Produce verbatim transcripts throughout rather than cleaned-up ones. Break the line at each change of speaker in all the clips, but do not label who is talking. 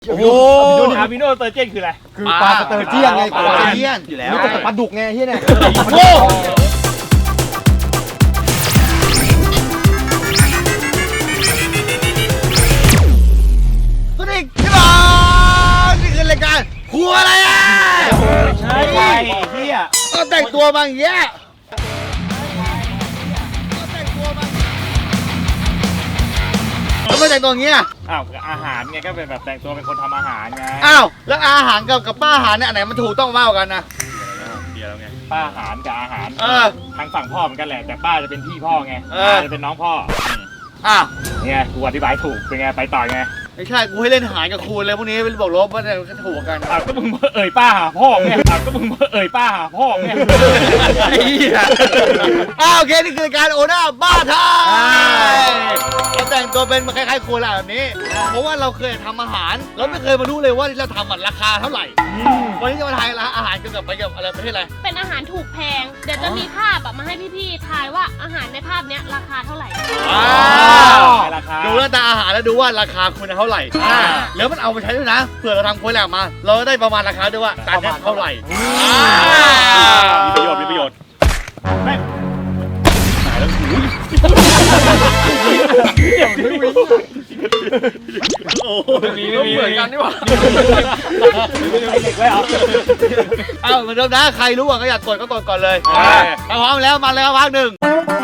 โอ้โหอาบิโนเตอร์เจนคืออะไร
คือปลาสเตอร์เจียนไงปลาสเตอร์เจียน
อยู่แล้ว
นี่แต่ปลาดุกไงเฮียเนี่ย
โอ้
สวัสดีครับนี่คือรายการครัวอะไรอ่ะ
ใช่เฮีย
ก็แต่งตัวบางแย่ก็แต่งตัวบางแล้วไม่แต่งตัวอย่างเงี้ย
อ้าวอาหารไงก็เป็นแบบแต่งตัวเป็นคนทำอาหารไง
อ้าวแล้วอาหารกับกับป้าอาหารเนี่ยอันไหนมันถูกต้องมากกว่ากันนะ
เดียวไงป้าอาหารกับอาหาร
เออ
ทางฝั่งพ่อเหมือนกันแหละแต่ป้าจะเป็นพี่พ่อไงจะเป็นน้องพ่อ
อ้าว
เนี่ยกูอธิบายถูกเป็นไงไปต่อไง
ไม่ใช่กูให้เล่นหารกับคูณเลยพวกนี้เป็นบอกลบว่าเนี่ยก็ถูกกัน
อ้าวก็มึงเอ่ยป้าหาพ่อไงอ้าวก็มึงเอ่ยป้าหาพ่อไง
ไอ้เหี้ยอ้าวโอเคนี่คือการโอน่าบ้าไทยเราแต่งตัวเป็นคล้ายๆคูณแบบนี้เพราะว่าเราเคยทำอาหารเราไม่เคยมารู้เลยว่าที่เราทำมันราคาเท่าไหร่วันนี้จะมาทายอาหารเกี่ยวกับไปกับอะไรประเทศอะไร
เป็นอาหารถูกแพงเดี๋ยวจะมีภาพมาให้พี่ๆทายว่าอาหารในภาพนี้ราคาเท่าไหร่
ดูหน้าตาอาหารแล้วดูว่าราคาคุณเท่าไหร่แล้วมันเอาไปใช้ด้วยนะเผื่อเราทำโค้ดแหลมมาเราได้ประมาณราคาด้วยว่าจานนี้เท่าไหร่
มีประโยชน์มีประโยชน์แม่หายแล้วหูโอ้มีมีเหมือนกันนี่หว่าเด็กไว้เหรอ
เอ้าเหมือนเดิมนะใครรู้ว่าก็อยากกดก็กดก่อนเลยถ้าพร้อมแล้วมาเลยครับภาคหนึ่ง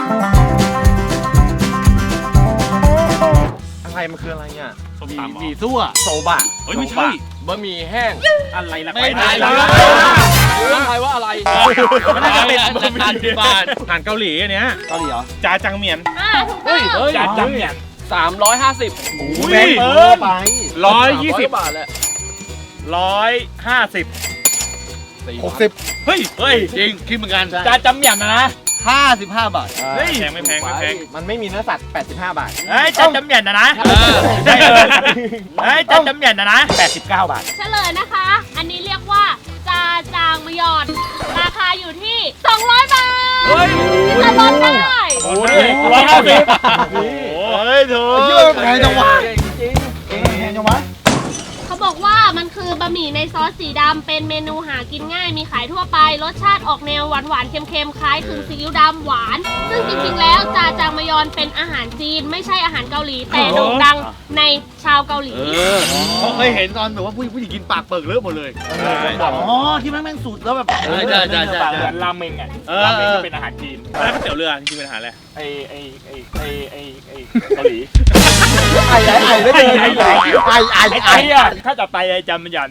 อะไรมันคืออะไรเนี่ย
หมี่ซั่ว
โซบะ
เฮ้ยไม่ใช่
บะหมี่แห้ง
อะไรล่ะ
ไม่ได้เลย
ต้องทายว่าอะไร
มันน่าจะเป็นบะหมี่บานอาหารเกาหลีอันเนี้ย
เกาหลีเหรอ
จาจังเมียน
อ่าถูกต้อง
จาจังเมียน
สามร้อยห้าสิบ
แพงเกินไปร้อยยี่สิบบ
าทแหละ
ร้อยห้าสิบ
หกสิบ
เฮ้ยเฮ้ย
จริงคิดเหมือนกัน
จาจังเมียนนะ
ห้าสิบห้าบาท
เฮ้ยแพงไม่แพงไม่แพง
มันไม่มีเนื้อสัตว์แปดสิบห้าบาท
เฮ้ยจาจังเมียนนะนะเฮ้ยจาจังเมียนนะนะแปดสิบเก้าบาท
เฉลยนะคะอันนี้เรียกว่าจาจางมยอนราคาอยู่ที่สองร้อยบาท
เฮ้ย
ที่จะลดได้
โอ้ยร้อยห้าสิบ
เฮ้ยเธอแพงจังวะจริงแพงจังวะ
เขาบอกว่ามันคือบะหมี่ในซอสสีดำเป็นเมนูหากินง่ายมีขายทั่วไปรสชาติออกแนวหวานหวานเค็มๆคล้ายถึงซีอิ๊วดำหวานซึ่งจริงๆแล้วจาจางมยอนเป็นอาหารจีนไม่ใช่อาหารเกาหลีแต่โด่งดังในชาวเกาหลี
เขาเคยเห็นตอนแบบว่าผู้ผู้หญิงกินปากเปิดเลอะหมดเลยอ๋อที่แม่งแม่งสูตรแล้วแบบ
ใช่ใช่ใช่ใช่ราเมงอ่ะราเมงก็เป็นอาหารจีนแล้วก๋วยเตี๋ยวเรือจริงๆเป็นอาหารอะไรไอไอไอไอไอไอเกาหลี
ไอ้ไอ้ไอ้ไม่ใช่ไอ้ไอ้ไอ้ไอ้ไอ้
ถ้าจะไปไอ้จำมันยัน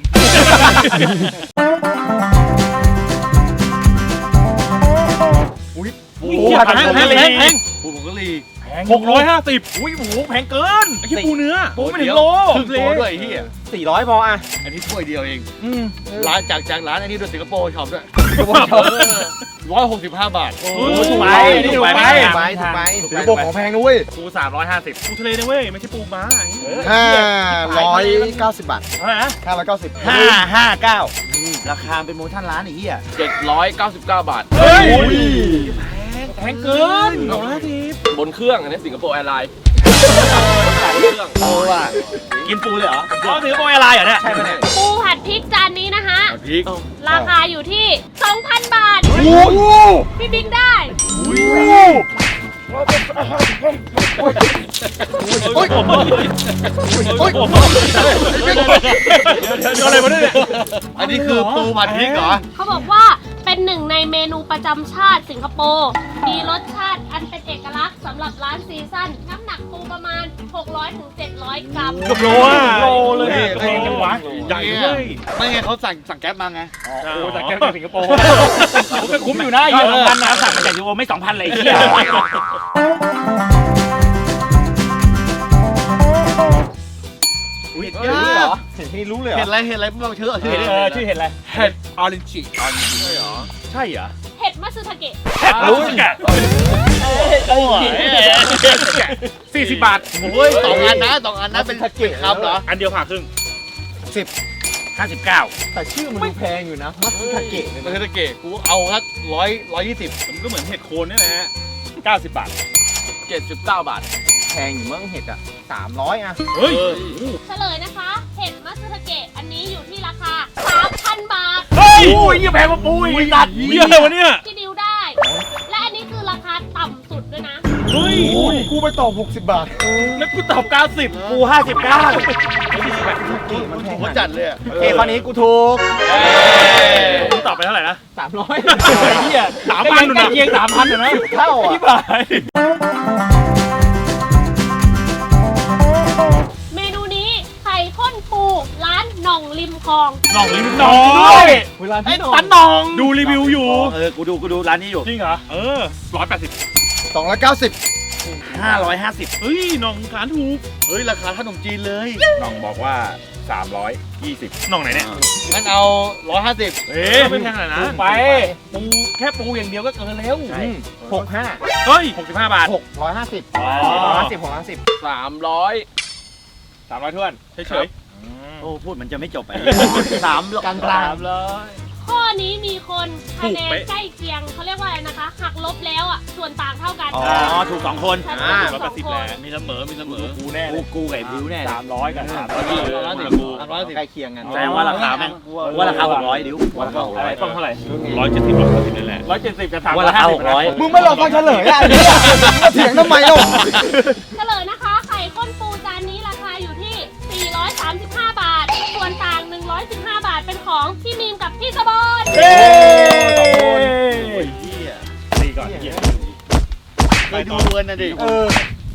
อุ้ย
หมูแพงแพงแพงแพง
หมูกะหรี่
หกร้อยห้าสิบอุ้ยหมูแพงเกินไอ้ที่ปูเนื้อปูไม่ถึงโล
ถึงโลด้วยที่
สี่ร้อยพออ่ะ
อันนี้ถ้วยเดียวเองร้านจากจากร้านอันนี้ด้วยสิงคโปร์ช็อปด้วยร้อยหกสิบห้าบาท
โอ้ถูกไปถูกไป
ถูกไปถูกไป
สิงคโปร์ของแพงนะเว้ย
ปูสามร้อยห้าสิบปูทะเลนะเว้ยไม่ใช่ปูม้า
ห้าร้อยเก้าสิบบาท
เท่าไหร่นะ
ห้าร้อยเก้าสิบ
ห้าห้าเก้า
ราคาเป็นโปรโมชั่นร้านไอ้เหี้ย
เจ็ดร้อยเก้าสิบเก้าบาท
เฮ้ยแพงเกินสองร้อยสิ
บบนเครื่องอันนี้สิงคโปร์แอร์ไลน์เครื่อง
โอ้ว่ะ
กินปูเลยเหรออ๋อสิงคโปร์แอร์ไลน์เหรอเนี่ย
ใช่ไหมเนี่ย
ปูผัดพริกจานนี้นะคะ
พริก
ราคาอยู่ที่ สองพัน บาทพี่บิ๊กได้
โอ้ยโอ้ยโอ้ย
อะไรมาเนี่ย
อันนี้คือปูผัดพริกเหรอ
เขาบอกว่าเป็นหนึ่งในเมนูประจำชาติสิงคโปร์มีรสชาติอันเป็นเอกลักษณ์สำหรับร้านซีซั่นน้ำหนักปูประมาณ หกร้อยถึงเจ็ดร้อย กรัม
กับโลอ่ะโลเลยแพงจังวะใหญ่เลย
ไม่ไงเขาสั่งสั่งแก๊ปมาไง
โอ้สั่งแก๊ปจากสิงคโปร์คุ้มอยู่นะเยอะสองพันนะสั่งมาจากสิงคโปร์ไม่สองพันเลยเหี้ย
เห็ดเยอะเหรอเห็ดที่รู้เลยเห็ดอะไรเห็ดอะไรบ้างชื่อชื่อ
เออชื่อเห็ดอะไร
เห็ดออรินจิ
ออรินจิใช่เหรอใช่เหรอ
เห็ดมัตสึทาเกะ
เห็ดรู้สึกะโอ้ยสี่สิบบาท
โอ้ยสองอันนะสองอันนะเป็นทาเกะครับเหรอ
อันเดียวผ่าครึ่ง
สิบ
ห้าสิบเก้า
แต่ชื่อมันดูแพงอยู่นะมัตสึทาเกะ
มัตสึทาเกะกูเอาครับร้อยร้อยยี่สิบ
มันก็เหมือนเห็ดโคนนี่แหละเก้าสิบบาท
เจ็ดสิบเก้าบาทแพงอยู่มั้งเห็ดอ่ะสามร้อยอ่ะ
เฮ้ย
เฉลยนะคะเห็ดมัตสึทาเก
ยยี่แพงกว่าปูอีก
ตัด
เหี้ยอะไรวะเนี่ย
ที่ดิวได้ และอันนี้คือราคาต่ำสุดด้วยนะ
เฮ้ย
กูไปตอบหกสิบบาท
แล้วกูตอบเก้าสิบ
กูห้าสิบเก้า
มันจัดเลยอะ
โอเคข้อนี้กูถูก
กูตอบไปเท่าไหร่นะ
สามร้อย
เหี้ยสามพันนะ
เกียงสามพันนะ
เท่าอ่ะ
ที่บาย
เมนูนี้ไข่ข้นปูร้านหน่องริมคลอง
หน่องลิ้มน้อย
เวลา
ไอ้
ที่
ตันนอง
ดูรีวิวอยู่
เออกูดูกูดูร้านนี้อยู่
จริงเหรอ เออร้อยแปดสิบ
สองร้อยเก้าสิบ
ห้าร้อยห้าสิบ
เฮ้ยหน่องขานถูก
เฮ้ยราคาขนมจีนเลย
น้องบอกว่า สามร้อยยี่สิบ น้องไหนเนี่ย
งั้นเอาร้อยห้าสิบ
เอ๊ะไม่แพงขนาดนั้น
ไปปูแค่ปูอย่างเดียวก็เกินแล้ว
หกห้า
เฮ้ยหกสิบห้าบาท
หกร้อยห้าสิบ
ห้าสิบหกห้าสิบสามร้อย
สามร้อยถ้วน
เฉย
โอ้พูดมันจะไม่จบไปสามกันกลาง
สามร้อย
ข้อนี้มีคนคะแนนใกล้เคียงเขาเรียกว่าอะไรนะคะ หักลบแล้วอ่ะ ส่วนต่างเท่ากัน
อ๋อถูกสองคน
ใช่
อ่า
ถูก
ร้อย
ส
แป
อ
ด
ง
สิบ
คน
แหละมีเสมอ มีเสมอ
กูแน่เล
กู
ย
กูกับบิวแน่
สามร้อยกับสามร้อย
ร้อยสิบร้อยสิบ
ใกล้เคียงกัน
แสดงว่าราคาแม่งว่าราคาหกร้อยดิวว่าราคาหกร้อย
ต้องเท่าไหร่
ร้อยเจ็ดสิบร้อยแปดสิบนี่แหละ
ร้อยเจ็ดสิบกับสาม
ว่า
ร้อ
ราย คา
ห้า
ห
สิบ
กร้อย
มึงไม่รอฟังเฉลยอ่ะไอ้เนี่ยมาเถียงทำไมเล่า
เฉลยนะคะ ไข่ข้นปูจานนี้ราคาอยู่ที่ สี่ร้อยสามสิบห้า บาท ส่วนต่าง หนึ่งร้อยสิบห้า บาทเป็นของพี่มีมกับพี่สะบอน
เฮ้ย
ดีก่อนเหี้ย
เคยดูกันนะดิ
เออ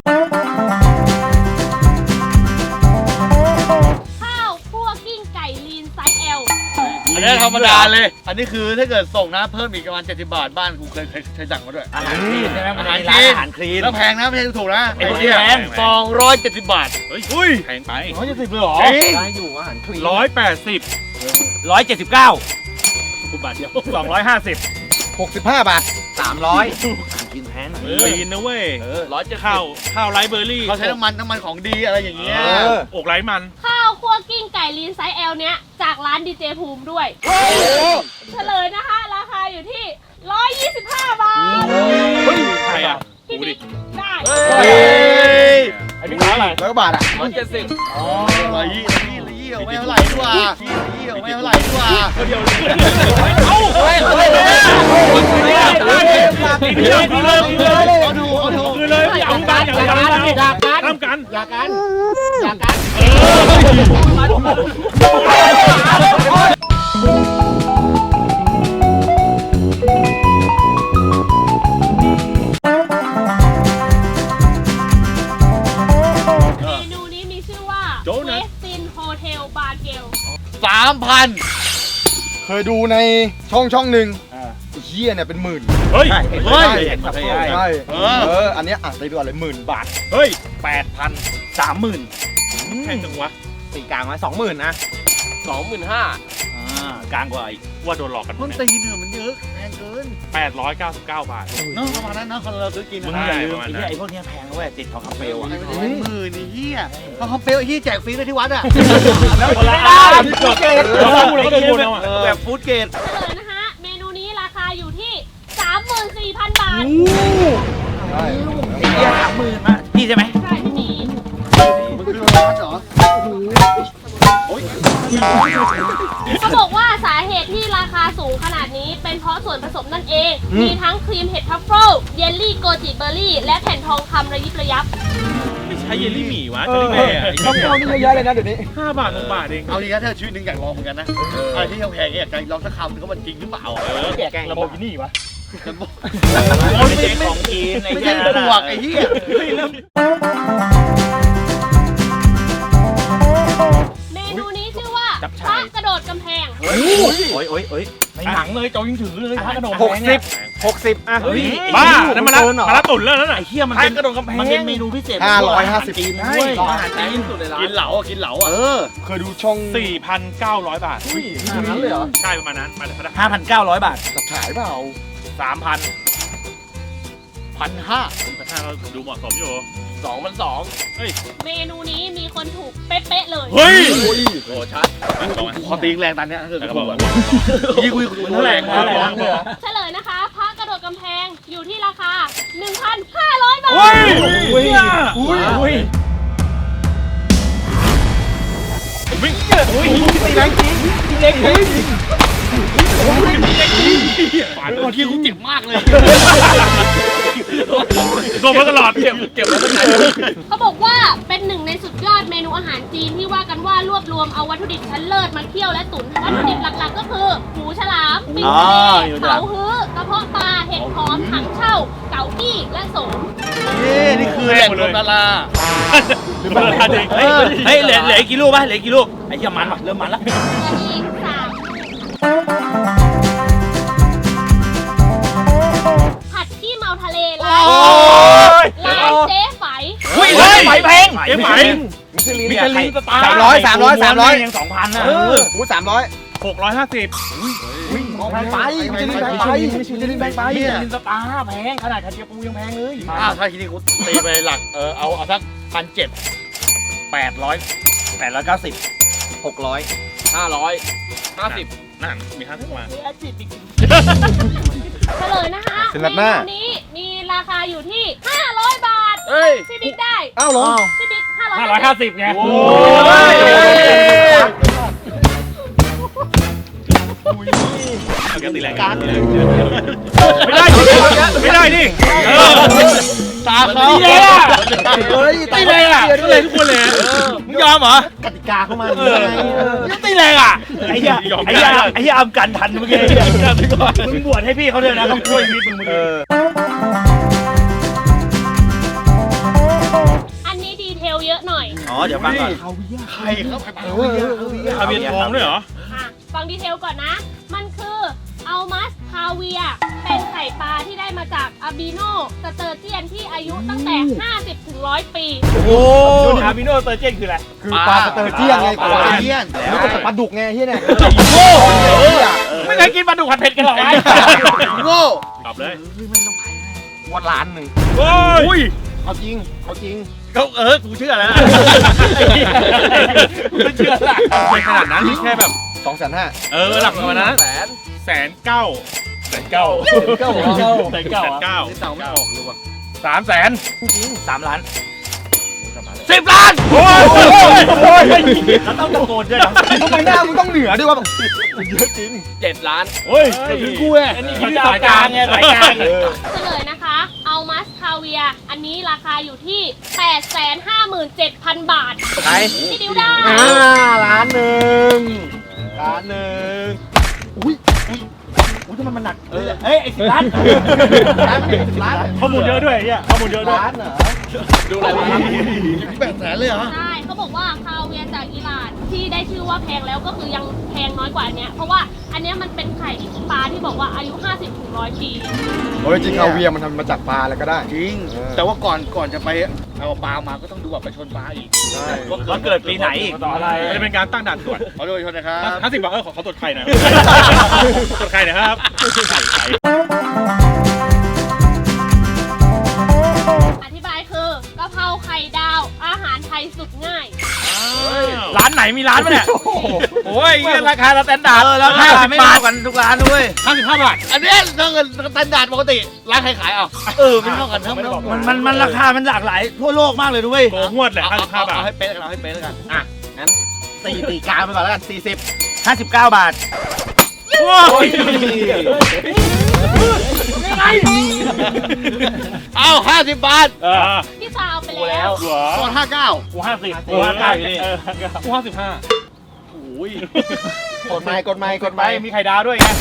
ข้าวคั่วกิ้งไก่ลีนไซส์ L
อันนี้ธรรมดาเลย อันนี้คือถ้าเกิดส่งนะเพิ่มอีกประมาณเจ็ดสิบบาทบ้านกูเคยเคยเคยสั่งมาด้วย
อาหารคลีนใช่ไหมมัน
อาหาร
มี
ค
ร้าน
ลีน
อาหารคลีน
แล้วแพงนะไม่ใช่ถูกนะ
ไอ้พวกนี้แพง
สองร้อยเจ็ดสิบบาท
เฮ้ยอุ้ยแพงไป
ร้อยเจ็ดสิบเลยเหรอ
จริง
ได้อยู่อาหารคลีน
ร้อยแปดสิบ
ร้อยเจ็ดสิบเก้า
กูบาทเดียว
สองร้อยห้าสิบ
หกสิบห้าบาท
สามร้อย
กินแพง
ลีนนะเว้ย
ร้อยเจ็ดสิบ
ข้าวข้าวไรเบอร์รี่
เขาใช้น้ำมันน้ำมันของดีอะไรอย่างเงี้ย
เออ
อกไรมัน
ข้าวคั่วกิ้งไก่ลีนไซส์ L เนี้ยจากร้านดีเจภูมิด้วย เฉลยนะคะ ราคาอยู่ที่ หนึ่งร้อยยี่สิบห้า บาท
ใครอ่ะ
พี่
กูดิ
บิ๊กได้
เฮ้ย
ไอ้พี่ขาอะไร
ร้อยกว่าบาทอ่ะ
ร้อยเจ็ดสิบ
อ๋อร้อยยี่ร้อยยี่ร้อยยี่เอาไม่เท่าไหร่ดีกว่ายี่ร้อยยี่เอาไม่เท่าไหร่ดีกว่า
เดียวเลย
เอ้าเฮ้ยเฮ้ยเฮ้ย
กินเลยกินเลยกินเลย
เอาดูเอาดู
กินเลยอย่าทำกันอย่าทำกันอย่าทำกัน
อยากกันอยากกัน
เมนูนี้มีชื่อว่าเวสตินโฮเทลบาร์เกล
สามพัน
เคยดูในช่องช่องหนึ่งไอ้เฮียเนี่ยเป็นหมื่น
เฮ้ย
เฮ้ย
ใช่
เออ
เออ อันเนี้ยอ่ะไปดูอะไรหมื่นบาท
เฮ้ย
แปดพัน
สามหมื่น
แพงจังวะ
สี่กลางไว้สองหมื่นนะสองหมื่นห้า
อ่ากลางกว่าอีก
ว่าโดนหลอกกัน
ต้นตีนเนี่ยมันเยอะแพงเกิน
แปดร้อยเก้าสิบเก้าบาท
เนาะประมาณนั้นเนาะคนเราซื้อกิน
มึง
นะ
อย่าลื
ลื
ม
ม
ไอ้
ไอ้
เหี้
เหี้
ย
ยไอ้พวกเนี้ยแพงนะเว้ยติดทองคำเปลวอ่ะเป็นหมื่นไอ้เหี้ยทองคำเปลวไอ้เหี้ยแจกฟรีเลยที่วัดอ่ะ
แล้วคนละอัน
เราพูดเราก็โดนเอาอ่ะ
แบบฟู้ดเกรด
เฉลยนะคะ เมนูนี้ราคาอยู่ที่ สามหมื่นสี่พัน บาท
ใช่
ไอ้เหี้ยสามหมื่นนะพี่ใช่ไหม
ใช่พี่หมี
มันคือร้านเหรอ
เขาบอกว่าสาเหตุที่ราคาสูงขนาดนี้เป็นเพราะส่วนผสมนั่นเอง มีทั้งครีมเห็ดทัฟเฟิลเยลลี่โกจิเบอร์รี่ และแผ่นทองคำระยิบระยับ
ไม่ใช่เยลลี่หมี่วะ
เอ
เจล
อ
ลี่แม่
ช่องช่องนี่เยอะๆเลยนะเดี๋ยวนี้
ห้าบาทหกบาทเอง
เอาดีนะถ้าชีวิตหนึ่งอยากลองเหมือนกันนะอะไรที่แพงๆเนี่ยอยากลองสักคำนึงว่ามันจริงหรือเปล่า
เออ
แกงระบบนี่วะ
ไม่ใช่ของกินไม่ใช่บวกไอ้เหี้ย
เมนูนี้ชื่อว่าพระกระโดดกำแพง
โอ้ยโอ้ยโอ้ย
ในหนังเลยโจยิงถือเลยพระกระโดด
หกสิบ หกสิบอ่ะ
เฮ้ย
บ้านั่นมาละมาละตุ่นแล้วนั่นน่ะ
ไอ้เหี้ยมัน
พระ
เป็น
กระโดดกำแพง
มันเป็นเมนูพิเศษ
ห้าร้อยห้าสิบ
จีน
ใช่
ด้วย
อาหารจีน
สุดเลยร้าน
กินเหลาอ่ะกินเหลาอ่ะเออ
เคยดูช่อง
สี่พันเก้าร้อยบาท
ขนาดนั้นเลยเหรอ
ใช่ประมาณนั้นมาเลย
ห้าพันเก้าร้อยบาท
จับฉายเปล่า
สามพัน
พันห้า
แต่ถ้าเราดูเหมาะสมอยู่
สองพันสอง
เมนูนี้มีคนถูกเป๊ะๆเลย
เฮ้ย
โอ้ชัด
ขอตีแรงตอนเนี้ยถ้าเกิด
แล้ว
กู
ก็บอก
อ่ะ
ว่า
ยี่คุยคุยเท่าไหร่
เท่าไหร่เท่าไหร่
เฉลยนะคะพระกระโดดกำแพงอยู่ที่ราคา หนึ่งพันห้าร้อย บาท
เฮ้ย
อุ้ยอุ้ยอุ้ย
วิ่ง
อุ้ยตีแรงจริงตีแรงจริง
ฝัน
เมื่อกี้กูเจ็บมากเลย
โดนมาตลอด
เก็บเก็บไว้ตั้งไหน
เขาบอกว่าเป็นหนึ่งในสุดยอดเมนูอาหารจีนที่ว่ากันว่ารวบรวมเอาวัตถุดิบชั้นเลิศมาเคี่ยวและตุ๋นวัตถุดิบหลักๆก็คือหมูฉลามปิ้งทะเลเผาฮื้อกระเพาะปลาเห็ดหอมถังเช่าเก๋ากี้และโสม
นี่นี่คือแหล่งรวมดารา
หรือมันราคาเด็ก
เฮ้ยเฮ้ยเหลือเหลืออีกกี่ลูกป่ะเหลืออีกกี่ลูกไอ้เหี้ยมันว่ะเริ่มมันแล้ว
อีกสามผัดขี้เมาทะเลร้าน
โอ้ย
ร้านเจ๊ไฝ
เฮ้ยเฮ้ยไหมแพง
เจ๊ไหม
มิชลินสตาร์สามร้อยสามร้อยสามร้อยยังสองพันนะ
เออหูสามร้อย
หกร้อยห้าสิบ
แพงไปมิชลินแพงไปมิชลินแพงไป
มิชลินสตาร์แพงขนาดกระเทียมปูยังแพงเลยอ้าวถ้าทีนี้กูตีไปหลักเออเอาเอาสักพันเจ็ดแปดร้อยแปดร้อยเก้าสิบหกร้อย
ห้าร้อยห้าสิบ
นั่นมีห้าสิบมา
เฉลยนะคะ
สนับหน้า
เมนูนี้มีราคาอยู่ที่ห้าร้อยบาท
เฮ้ย
พี่บิ๊กได้
อ้าวเหรอ
พี่บิ๊กห้าร้อย
ห้าร้อยห้าสิบไง
โอ้ย
เอาแกตีแรงกันไม่ได้ดิไม่ได้ดิเออ
ตาเขา
ตีเลยอ่ะ
เฮ้ย
ตีเลยอ่ะตีเลยทุกคนเลย
มึงยอมเหรอก
ติกาเข้ามา
เออ
ยังตีแรงอ่ะไอ้เหี้ยไอ้เหี้ยไอ้เหี้ยอำกันทันเมื่อกี้มึงบวชให้พี่เขาด้วยนะเขาช่วยชีวิตมึงมึง
เออ
อันนี้ดีเทลเยอะหน่อย
อ๋อเดี๋ยวฟังก่อนใครเขาไป
เออ
ทะเบียนทองด้วยเหรอ
อ่ะ ฟังดีเทลก่อนนะ มันคืออัลมัสคาเวีย เป็นไข่ปลาที่ได้มาจากอาบิโนสเตอร์เจียนที่อายุตั้งแต่ ห้าสิบถึงหนึ่งร้อย ปี
โอ้
อาบิโนเตอร์เจนคืออะไร
คือปลาสเตอร์เจียนไง
ปลาสเตอร์เจียน
แล้วก็ปลาดุกไงเฮียเนี่ย
โง่
ไม่เคยกินปลาดุกผัดเผ็ดกันหรอไอ้
โง่
ตอบเลย
วันล้านหนึ่ง
โอ้ย
เอาจริงเอาจริง
เขาเออกูเชื่อแล้ว
ไม่เชื่อละไม่ขนาดนั้นแค่แบบ
สองแสนห้า
เออหลักประมาณนั้น
แสน
แสนเก้าแสนเก้า
เก้าเหรอ
แสนเก้าแสนเก้า
ที่เต่าไม่ออกเลยว่ะ
สามแสน
สามล้านสิบล้าน
โอ้ย
แล้วต้องตะโกนด้วยนะ
ทำไมหน้ามึงต้องเหนือด้วยวะเยอะจริง
เจ็ดล้าน
โอ้ย
ถึงกูไง
อันนี้คือสายกลางไงสายกลาง
เออ
เฉลยนะคะอัลมัสคาเวีย อันนี้ราคาอยู่ที่ แปดแสนห้าหมื่นเจ็ดพัน บาท
ใคร
พี่ดิวได้
อ่าล้านหนึ่งล้านหนึ่งอุ้ยอุ้ยอุ้ยทำไมมันหนักเออ
เฮ้ยไอ้สิบล้าน
ล้านหนึ่งล้าน
ข้อมูลเยอะด้วยเนี่ยข้อมูลเยอะด้วย
ล้านเหรอ
ดูอะไรวะ
แปดแสนเลยเหรอ
ใช่ เขาบอกว่าคาเวียจากอิหร่านที่ได้ชื่อว่าแพงแล้วก็คือยังแพงน้อยกว่าอันเนี้ย เพราะว่าอันเนี้ยมันเป็นไข่ปลาที่บอกว่าอายุ ห้าสิบถึงหนึ่งร้อย ปี
โอ้ยจริงคาเวียร์มันทำมาจากปลาอะไรก็ได้
จริง แต่ว่าก่อนก่อนจะไปเอาปลามาก็ต้องดูแบบไปชนปลาอีก
ใช่
ว่าเกิดปีไหนอีก
ต่ออะไรจะเป็นการตั้งด่านตรวจ
ขอโทษชนนะครับ
ห้าสิบบาทเออขอเขาตรวจไข่หน่อยตรวจไข่หน่อยครับไข่ไข่
อธิบายคือกะเพราไข่ดาว อาหารไทยสุดง่าย
ร้านไหนมีร้านปะเนี่ยโอ้ยราคาสแตนดาร์ด
เออแล้วค่าไม่เท่ากันทุกร้านด้วย
ห้าสิบห้าบาท
อันนี้ถ้าเงินสแตนดาร์ดปกติร้านใครขายอ่ะเออไม่เท่ากันทั้งมันมันมันราคามันหลากหลายทั่วโลกมากเลยด้วย
โกงวดแหละห้าสิบห้าบาท
เอาให้เป๊ะเอาให้เป๊ะแล้วกัน
อ่ะงั้นตีตีกลางไปก่อนแล้วกันสี่สิบ
ห้าสิบเก้าบาท
โอ้ย
เอาห้าสิบบาท
เออ
พี่ซาเอาไปแล้ว
เหรอ
ก่อนห้าเก้า
กูห้าสิบ
กูห้าเก้าอยู่นี่
เออกูห้าสิบห้า
โอ้ย
กดไม้กดไม้กด
ไป
ไม้
มีไข่ดาวด้วยไง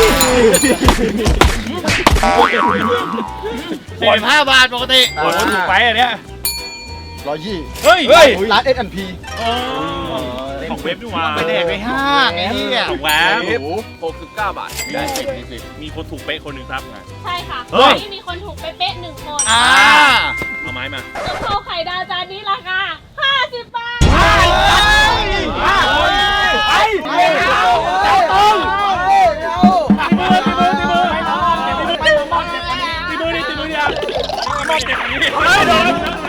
สี่สิบห้าบาทปกติ
โอ้ยถูกไปอันเนี้ย
ร้อยยี่
เฮ้ย
เฮ้ย
ร้านเอสแอนด์พี
ของเว็บด้วยว่ะ
ไปแดกไปห้างไอ้เหี้ย
ของแว็บ
หกสิบเก้าบาท
ได้สิบมีสิบ
มีคนถูกเป๊ะคนหนึ่งครับ
ใช่ค่ะ
เฮ้ย
วันนี้มีคนถูกเป๊ะๆหนึ่งคน
อ่า
เอาไม้มาก
ะเพราไข่ดาวจานนี้ราคาห้าสิบบาท
ไปไปเอาเอาตรง
ตีมือตีมือตีมือตีมือดิตีมือดิอ่ะมอบเจ็บนี้เฮ้ยโดน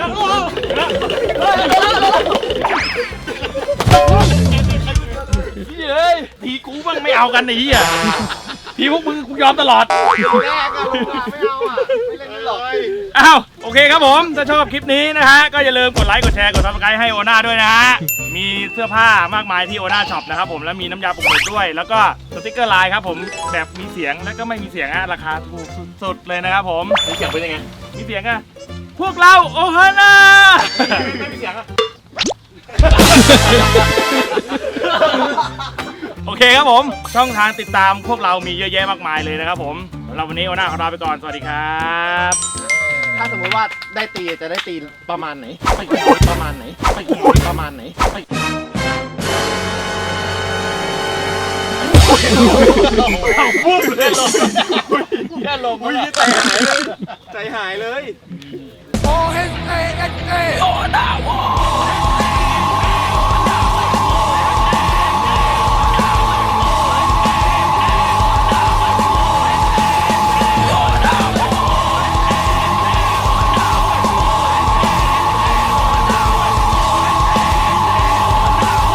พี่เอ้ย
ทีกูบ้างไม่เอากันไอ้เหี้ยทีพวกมึงกูยอมตลอด
แรกอะไม่เอาอ่ะไม่เล่นหรอก
อ้าวโอเคครับผม ถ้าชอบคลิปนี้นะฮะ ก็อย่าลืมกดไลค์ กดแชร์ กดซับสไครต์ให้โอน่าด้วยนะฮะมีเสื้อผ้ามากมายที่โอน่าช็อปนะครับผมแล้วมีน้ำยาปรุงรสด้วย แล้วก็สติกเกอร์ลายครับผมแบบมีเสียงแล้วก็ไม่มีเสียงอะราคาถูกสุดๆเลยนะครับผม
มีเสียงเป็นยังไง
มีเสียงอะพวกเราโอฮาน่า
ไม่มีเสียงอะ
โอเคครับผมช่องทางติดตามพวกเรามีเยอะแยะมากมายเลยนะครับผมสำหรับวันนี้โอน่าขอลาไปก่อนสวัสดีครับ
ถ้าสมมติว่าได้ตีจะได้ตีประมาณไหนประมาณไหนประมาณไหน
ปุ๊บเลยลงแค่ลงใจหายเลยใจหายเลย
โอเอสเอเอสเอโอน่าวอ